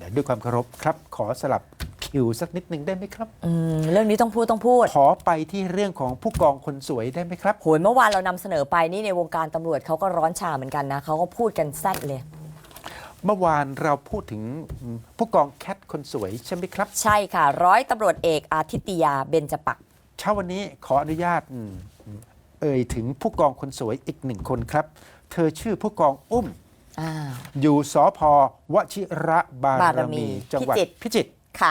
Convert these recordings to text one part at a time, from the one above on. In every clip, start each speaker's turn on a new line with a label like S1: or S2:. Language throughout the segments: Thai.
S1: ด้วยความเคารพครับขอสลับคิวสักนิดหนึ่งได้ไหมครับ
S2: เรื่องนี้ต้องพูด
S1: ขอไปที่เรื่องของผู้กองคนสวยได้ไหมครับ
S2: โหยเมื่อวานเรานำเสนอไปนี่ในวงการตำรวจเขาก็ร้อนฉ่าเหมือนกันนะเขาก็พูดกันแซ่ดเลย
S1: เมื่อวานเราพูดถึงผู้กองแคทคนสวยใช่ไหมครับ
S2: ใช่ค่ะร้อยตำรวจเอกอาทิตยาเบญจปักษ์
S1: เช้าวันนี้ขออนุญาตเอ่ยถึงผู้กองคนสวยอีกหนึ่งคนครับ เธอชื่อผู้กองอุ้มอยู่สพวชิระบารมีจังหวัดพิจิตร
S2: ค่ะ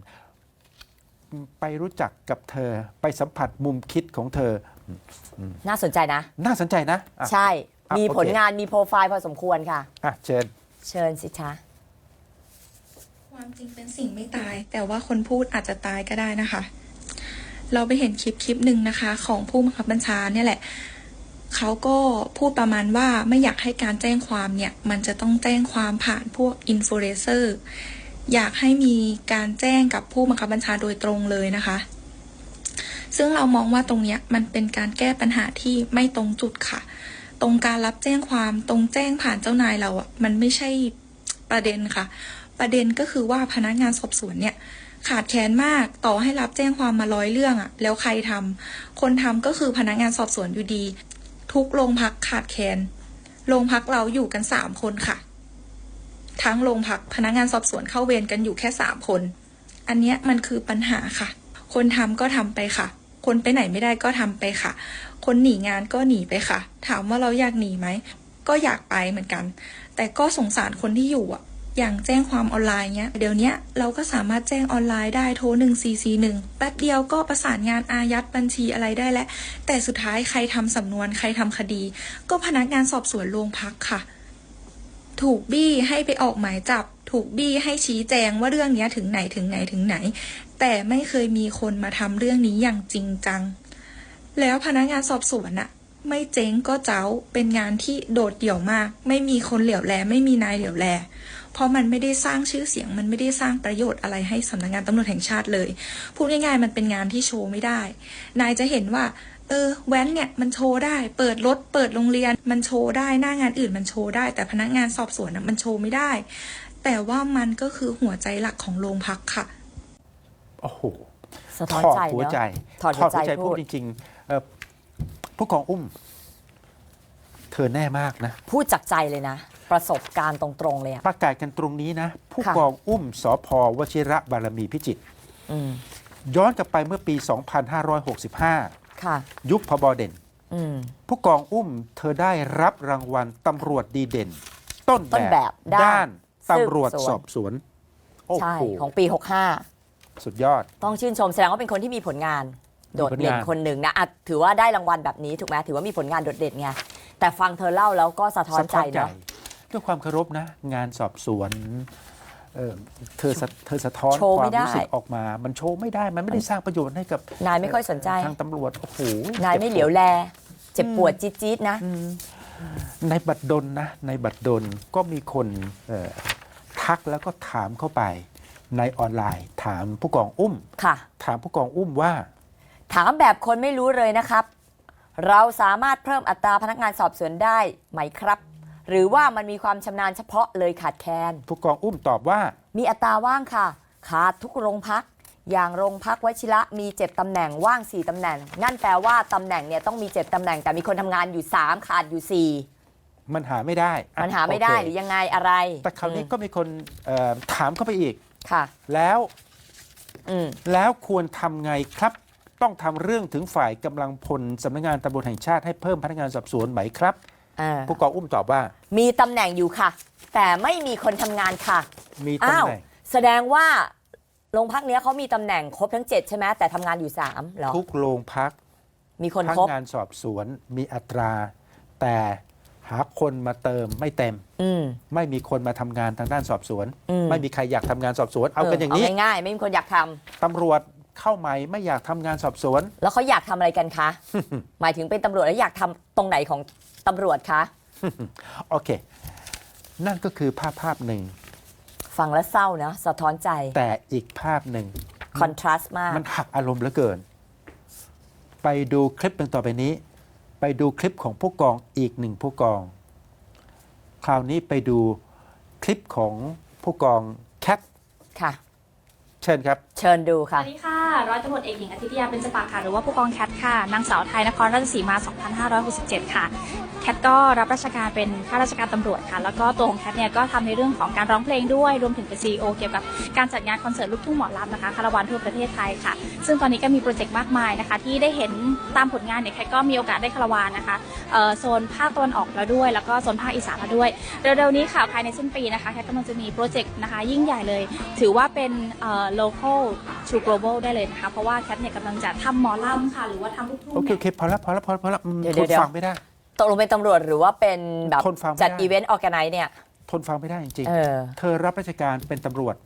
S1: ไปรู้จักกับเธอไปสัมผัสมุมคิดของเธอ
S2: น่าสนใจนะ
S1: น่าสนใจนะ
S2: ใช่มีผลงานมีโปรไฟล์พอสมควรค่ะ
S1: เชิ
S2: ญสิคะ
S3: ความจริงเป็นสิ่งไม่ตายแต่ว่าคนพูดอาจจะตายก็ได้นะคะเราไปเห็นคลิปหนึ่งนะคะของผู้บังคับบัญชาเนี่ยแหละเขาก็พูดประมาณว่าไม่อยากให้การแจ้งความเนี่ยมันจะต้องแจ้งความผ่านพวกอินฟลูเอนเซอร์อยากให้มีการแจ้งกับผู้บังคับบัญชาโดยตรงเลยนะคะซึ่งเรามองว่าตรงเนี้ยมันเป็นการแก้ปัญหาที่ไม่ตรงจุดค่ะตรงการรับแจ้งความตรงแจ้งผ่านเจ้านายเราอ่ะมันไม่ใช่ประเด็นค่ะประเด็นก็คือว่าพนักงานสอบสวนเนี่ยขาดแคลนมากต่อให้รับแจ้งความมา100เรื่องอ่ะแล้วใครทำคนทำก็คือพนักงานสอบสวนอยู่ดีทุกโรงพักขาดแคลนโรงพักเราอยู่กัน3คนค่ะทั้งโรงพักพนักงานสอบสวนเข้าเวรกันอยู่แค่3คนอันเนี้ยมันคือปัญหาค่ะคนทำก็ทำไปค่ะคนไปไหนไม่ได้ก็ทำไปค่ะคนหนีงานก็หนีไปค่ะถามว่าเราอยากหนีไหมก็อยากไปเหมือนกันแต่ก็สงสารคนที่อยู่อ่ะอย่างแจ้งความออนไลน์เนี้ยเดี๋ยวนี้เราก็สามารถแจ้งออนไลน์ได้โทร1441แป๊บเดียวก็ประสานงานอายัดบัญชีอะไรได้แล้วแต่สุดท้ายใครทำสำนวนใครทำคดีก็พนักงานสอบสวนโรงพักค่ะถูกบี้ให้ไปออกหมายจับถูกบี้ให้ชี้แจงว่าเรื่องนี้ถึงไหนถึงไหนถึงไหนแต่ไม่เคยมีคนมาทำเรื่องนี้อย่างจริงจังแล้วพนักงานสอบสวนอะไม่เจ๊งก็เจ้าเป็นงานที่โดดเดี่ยวมากไม่มีคนเหลียวแลไม่มีนายเหลียวแลเพราะมันไม่ได้สร้างชื่อเสียงมันไม่ได้สร้างประโยชน์อะไรให้สำนักงานตำรวจแห่งชาติเลยพูดง่ายๆมันเป็นงานที่โชว์ไม่ได้นายจะเห็นว่าแว้นเนี่ยมันโชว์ได้เปิดรถเปิดโรงเรียนมันโชว์ได้หน้างานอื่นมันโชว์ได้แต่พนักงานสอบสวนมันโชว์ไม่ได้แต่ว่ามันก็คือหัวใจหลักของโรงพักค่ะ
S1: โอ้โห
S2: สะท้อนใจ
S1: หัวใจ
S2: ถอดหัวใจ
S1: พูดจริงๆผู้กองอุ้มเธอแน่มากนะ
S2: พูดจากใจเลยนะประสบการณ์ตรงๆเลย
S1: ประกาศกันตรงนี้นะผู้กองอุ้มสพวชิระบารมีพิจิตรย้อนกลับไปเมื่อปี 2565 ยุคพบเด่นผู้กองอุ้มเธอได้รับรางวัลตำรวจดีเด่นต้นแบบด้านตำรวจสอบสวน
S2: ใช่ของปี 65
S1: สุดยอด
S2: ต้องชื่นชมแสดงว่าเป็นคนที่มีผลงานโดดเด่นคนหนึ่งนะถือว่าได้รางวัลแบบนี้ถูกไหมถือว่ามีผลงานโดดเด่นไงแต่ฟังเธอเล่าแล้วก็สะท้อนใจเนาะ
S1: ด้วยความเคารพนะงานสอบสวนเธอสะท้อนความรู้สึกออกมามันโชว์ไม่ได้มันไม่ได้สร้างประโยชน์ให้กับ
S2: นายไม่ค่อยสนใจ
S1: ทางตำรวจโอ้โห
S2: นายไม่เหลียวแลเจ็บปวดจี๊ดๆนะ
S1: ในบัตรดลนะในบัตรดลก็มีคนทักแล้วก็ถามเข้าไปในออนไลน์ถามผู้กองอุ้มถามผู้กองอุ้มว่า
S2: ถามแบบคนไม่รู้เลยนะครับเราสามารถเพิ่มอัตราพนักงานสอบสวนได้ไหมครับหรือว่ามันมีความชำนาญเฉพาะเลยขาดแคลน
S1: ผู้กองอุ้มตอบว่า
S2: มีอัตราว่างค่ะขาดทุกโรงพักอย่างโรงพักวชิระมี7ตำแหน่งว่าง4ตำแหน่งนั่นแปลว่าตำแหน่งเนี่ยต้องมี7ตำแหน่งแต่มีคนทำงานอยู่3ขาดอยู่4
S1: มันหาไม่ได้
S2: มันหาไม่ได้หรือยังไงอะไร
S1: แต่คราวนี้ก็มีคนถามเข้าไปอีก
S2: ค่ะ
S1: แล้วควรทำไงครับต้องทำเรื่องถึงฝ่ายกำลังพลสำนักงานตำรวจแห่งชาติให้เพิ่มพนักงานสอบสวนไหมครับผู้กองอุ้มตอบว่า
S2: มีตำแหน่งอยู่ค่ะแต่ไม่มีคนทำงานค่ะ
S1: มีตำแหน่ง
S2: แสดงว่าโรงพักนี้เขามีตำแหน่งครบทั้ง7ใช่ไหมแต่ทำงานอยู่3เหรอ
S1: ทุกโรงพัก
S2: มีคนครบ
S1: พนักงานสอบสวนมีอัตราแต่หาคนมาเติมไม่เต็มไม่มีคนมาทำงานทางด้านสอบสวนไม่มีใครอยากทำงานสอบสวนเอากันอย่างนี้
S2: ง่ายๆไม่มีคนอยากทำ
S1: ตำรวจเข้าใหม่ไม่อยากทำงานสอบสวน
S2: แล้วเขาอยากทำอะไรกันคะ หมายถึงเป็นตำรวจแล้วอยากทำตรงไหนของตำรวจคะ
S1: โอเคนั่นก็คือภาพหนึ่ง
S2: ฟังแล้วเศร้านะสะท้อนใจ
S1: แต่อีกภาพหนึ่ง
S2: คอนทราสต์มาก
S1: มันหักอารมณ์เหลือเกินไปดูคลิปหนึ่งต่อไปนี้ไปดูคลิปของผู้กองอีกหนึ่งผู้กองคราวนี้ไปดูคลิปของผู้กองแคท
S2: ค่ะ
S1: เชิญครับ
S2: เชิญดู
S4: ส
S2: ค่ะ
S4: วัสดีค่ะ ร้อยตำรวจเอกหญิงอาทิตยาเบญจปากค่ะ หรือว่าผู้กองแคทค่ะ นางสาวไทยนครราชสีมา 2567 ค่ะ แคทก็รับราชการเป็นข้าราชการตำรวจค่ะ แล้วก็ตัวของแคทเนี่ยก็ทำในเรื่องของการร้องเพลงด้วย รวมถึงเป็น CEO เกี่ยวกับการจัดงานคอนเสิร์ตลูกทุ่งหมอลำนะคะคาราวานทั่วประเทศไทยค่ะ ซึ่งตอนนี้ก็มีโปรเจกต์มากมายนะคะ ที่ได้เห็นตามผลงานเนี่ยแคทก็มีโอกาสได้คาราวานนะคะโซนภาคตะวันออกแล้วด้วย แล้วก็โซนภาคอีสานแล้วด้วย เร็วๆนี้ค่ะภายในสิ้นปีนะคะแคทกำลังจะมีโปรเจกต์นะคะยิ่งใหญ่เลย ถือว่าเป็นlocal to global ได้เลยนะคะ เพราะว่าแคทเนี่ยกำลังจะทำหมอลำค่ะ หรือว่าทำลูกทุ่ง
S1: โอเค
S4: เนี่ย
S1: โอเคพอแล้ว
S2: เดี๋ยว
S1: ทน
S2: เดี๋ยว
S1: ฟังไม่ได้
S2: ตกลงเป็นตำรวจหรือว่าเป็นแบบ
S1: ทนฟังไม่ได้
S2: จัดอีเวนต์ออแกไนซ์เนี่ย
S1: ทนฟังไม่ได้จริง
S2: เออ
S1: ๆเธอรับราชการเป็นตำรวจ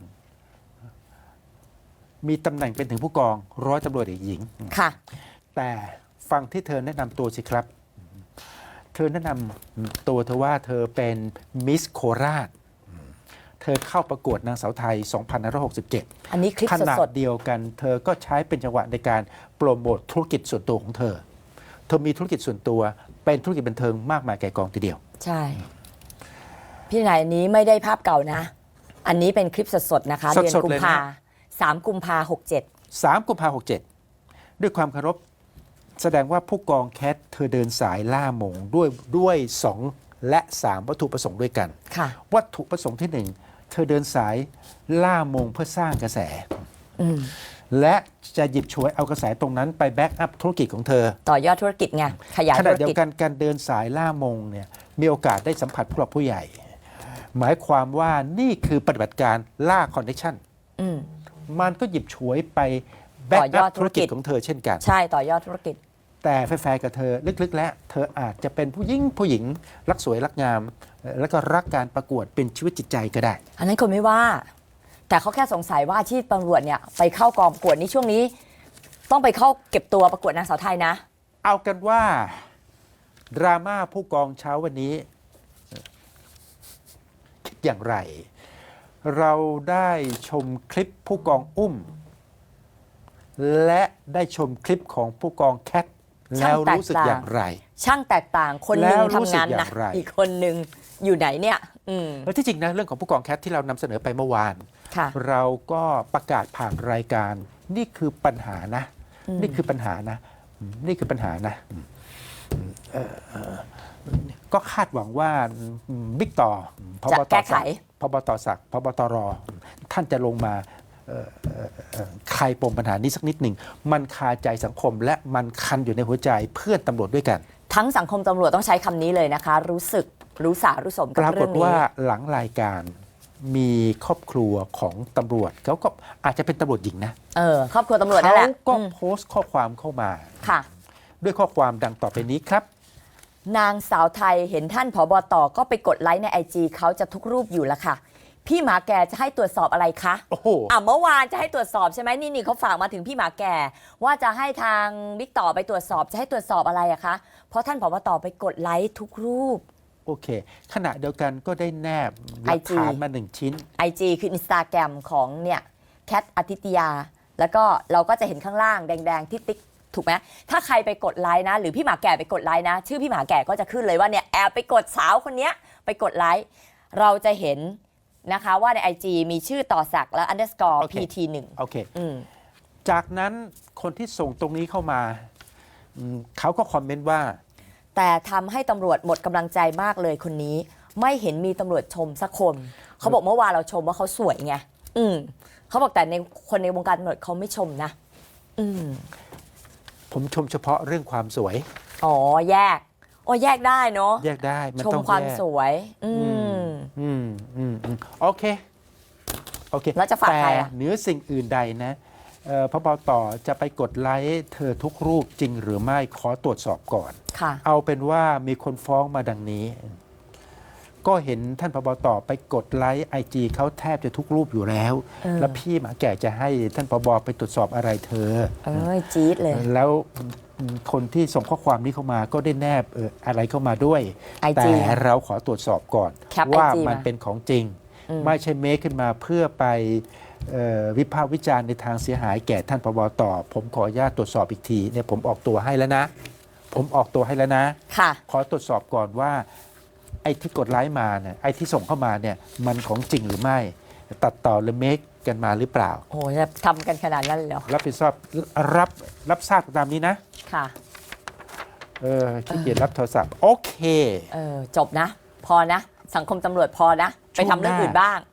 S1: มีตำแหน่งเป็นถึงผู้กองร้อยตำรวจเอกหญิง
S2: ค่ะ
S1: แต่ฟังที่เธอแนะนำตัวสิครับ เธอแนะนำตัวเธอว่าเธอเป็นมิสโคราช เธอเข้าประกวดนางสาวไทย 2567
S2: อันนี้คลิป
S1: ขนาด
S2: สด
S1: เดียวกัน เธอก็ใช้เป็นจังหวะในการโปรโมทธุรกิจส่วนตัวของเธอ เธอมีธุรกิจส่วนตัว เป็นธุรกิจบันเทิงมากมายแก่กองทีเดียว
S2: ๆ ใช่ พี่นายอันนี้ไม่ได้ภาพเก่านะ อันนี้เป็นคลิปสดๆ นะคะ
S1: สดๆ
S2: เดือนกุมภา
S1: เลยนะ
S2: 3 กุมภา67
S1: 3 กุมภาพันธ์ 67 ด้วยความเคารพแสดงว่าผู้กองแคทเธอเดินสายล่ามงด้วย 2 และ 3 วัตถุประสงค์ด้วยกัน
S2: ค่ะ
S1: วัตถุประสงค์ที่ 1 เธอเดินสายล่ามงเพื่อสร้างกระแส
S2: อืม
S1: และจะหยิบฉวยเอากระแสตรงนั้นไปแบ็กอัพธุรกิจของเธอ
S2: ต่อยอดธุรกิจไง ขยาย
S1: ข
S2: ธุ
S1: ณะ
S2: ร
S1: เดีย
S2: กิจ
S1: วกันการเดินสายล่ามงเนี่ยมีโอกาสได้สัมผัสผู้หลักผู้ใหญ่ หมายความว่านี่คือปฏิบัติการล่าคอนเนคชั่น
S2: อืม
S1: มันก็หยิบฉวยไปแบ็ก
S2: ต่อย
S1: อั
S2: อ
S1: พ
S2: ดธุ
S1: ธุ
S2: ร
S1: ร
S2: กิ
S1: กิ
S2: จ
S1: จของเธอเช่นกัน
S2: ใช่ต่อยอดธุรกิจ
S1: แต่แฟร์ๆกับเธอลึกๆ แล้วเธออาจจะเป็นผู้หญิงรักสวยรักงาม แล้วก็รักการประกวดเป็นชีวิตจิตใจก็ได้
S2: อันนั้นคนไม่ว่า แต่เขาแค่สงสัยว่าอาชีพตำรวจเนี่ยไปเข้ากองประกวดนี่ช่วงนี้ ต้องไปเข้าเก็บตัวประกวดนางสาวไทยนะ
S1: เอากันว่าดราม่าผู้กองเช้าวันนี้คิดอย่างไร เราได้ชมคลิปผู้กองอุ้ม และได้ชมคลิปของผู้กองแคทแล้วรู้สึกอย่างไร
S2: ช่างแตกต่างคนหนึ่ง
S1: แล้วรู้
S2: ทำ
S1: สึก
S2: งาน
S1: อย่า
S2: หนัก
S1: งไร
S2: อีกคนหนึ่งอยู่ไหนเนี่ย อืม
S1: แล้วที่จริงนะเรื่องของผู้กองแคทที่เรานำเสนอไปเมื่อวาน
S2: ค่ะ
S1: เราก็ประกาศผ่านรายการนี่คือปัญหานะ นี่คือปัญหานะ นี่คือปัญหานะก็คาดหวังว่าบิ๊กต่อพบ
S2: จะ
S1: ต
S2: แก้ไข
S1: ศักดิ์พบตศักดิ์พบตรท่านจะลงมาคลายปมปัญหานี้สักนิดหนึ่งมันคาใจสังคมและมันคันอยู่ในหัวใจเพื่อนตำรวจด้วยกัน
S2: ทั้งสังคมตำรวจต้องใช้คำนี้เลยนะคะ รู้สึกรู้สารู้สม
S1: ป
S2: กับ
S1: ราก
S2: เรื่
S1: ฏ
S2: องนี้
S1: ว่าหลังรายการมีครอบครัวของตำรวจเขาก็อาจจะเป็นตำรวจหญิงนะ
S2: ครอบครัวตำรวจนั่นแหละ
S1: เขาก็
S2: อืม
S1: โพสต์ข้อความเข้ามา
S2: ค่ะ
S1: ด้วยข้อความดังต่อไปนี้ครับ
S2: นางสาวไทยเห็นท่านผบตก็ไปกดไลค์ในไอจีเขาจะทุกรูปอยู่แล้วค่ะ พี่หมาแก่จะให้ตรวจสอบอะไรคะ
S1: โอ้โห
S2: เมื่อวานจะให้ตรวจสอบใช่ไหมนี่เขาฝากมาถึงพี่หมาแก่ ว่าจะให้ทางบิ๊กต่อไปตรวจสอบจะให้ตรวจสอบอะไรอะคะเพราะท่านผบตไปกดไลค์ทุกรูป
S1: โอเค ขณะเดียวกันก็ได้แนบหลัก
S2: IG
S1: ฐานมาหนึ่งชิ้น
S2: IG คือ Instagram ของเนี่ยแคทอาทิตยา แล้วก็เราก็จะเห็นข้างล่างแดงๆที่ติ๊กถูกไหมถ้าใครไปกดไลค์นะ หรือพี่หมาแก่ไปกดไลค์นะ ชื่อพี่หมาแก่ก็จะขึ้นเลยว่าเนี่ยแอบไปกดสาวคนเนี้ยไปกดไลค์เราจะเห็นนะคะว่าใน IG มีชื่อต่อศักดิ์แล้ว underscore
S1: โอเค
S2: pt1
S1: โอเค
S2: อืม
S1: จากนั้นคนที่ส่งตรงนี้เข้ามาเขาก็คอมเมนต์ว่า
S2: แต่ทำให้ตำรวจหมดกำลังใจมากเลยคนนี้ ไม่เห็นมีตำรวจชมสักคนเขาบอกเมื่อวานเราชมว่าเขาสวยไงเขาบอกแต่ในคนในวงการตำรวจเขาไม่ชมนะ
S1: ผมชมเฉพาะเรื่องความสวย
S2: อ๋อแยกแยกได้เนาะ
S1: แยกได้มัน
S2: ชม
S1: ต้อง
S2: ความ
S1: แยก
S2: สวย
S1: โอเค โอเค
S2: แล้วจะฝาก
S1: แต่
S2: ใครอะ
S1: เหนือสิ่งอื่นใดนะพบตจะไปกดไลค์เธอทุกรูปจริงหรือไม่ขอตรวจสอบก่อน
S2: ค่ะ
S1: เอาเป็นว่ามีคนฟ้องมาดังนี้ ก็เห็นท่านพบตไปกดไลค์ไอจีเขาแทบจะทุกรูปอยู่แล้ว แล้วพี่หมาแก่จะให้ท่านพบไปตรวจสอบอะไรเธอ
S2: จี๊ดเลย
S1: แล้วคนที่ส่งข้อความนี้เข้ามาก็ได้แนบอะไรเข้ามาด้วย
S2: IG
S1: แต่เราขอตรวจสอบก่อน
S2: แคป
S1: ว่า
S2: IG
S1: มัน
S2: มา
S1: เป็นของจริง ไม่ใช่เมคขึ้นมาเพื่อไปวิพากษ์วิจารณ์ในทางเสียหายแก่ท่านพบตผมขออนุญาตตรวจสอบอีกทีเนี่ยผมออกตัวให้แล้วนะ
S2: ค่ะ
S1: ขอตรวจสอบก่อนว่าไอ้ที่กดไลค์มาเนี่ยไอ้ที่ส่งเข้ามาเนี่ยมันของจริงหรือไม่ตัดต่อหรือเมคกันมาหรือเปล่า
S2: โอ้โหจะทำกันขนาดนั้นเลยเหรอ
S1: รับผิดชอบรับทราบตามนี้นะ
S2: ค่ะ
S1: ขี้เกียจรับโทรศัพท์ โอเค
S2: จบนะ พอนะ สังคมตำรวจพอนะ ไปทำเรื่องอื่นบ้าง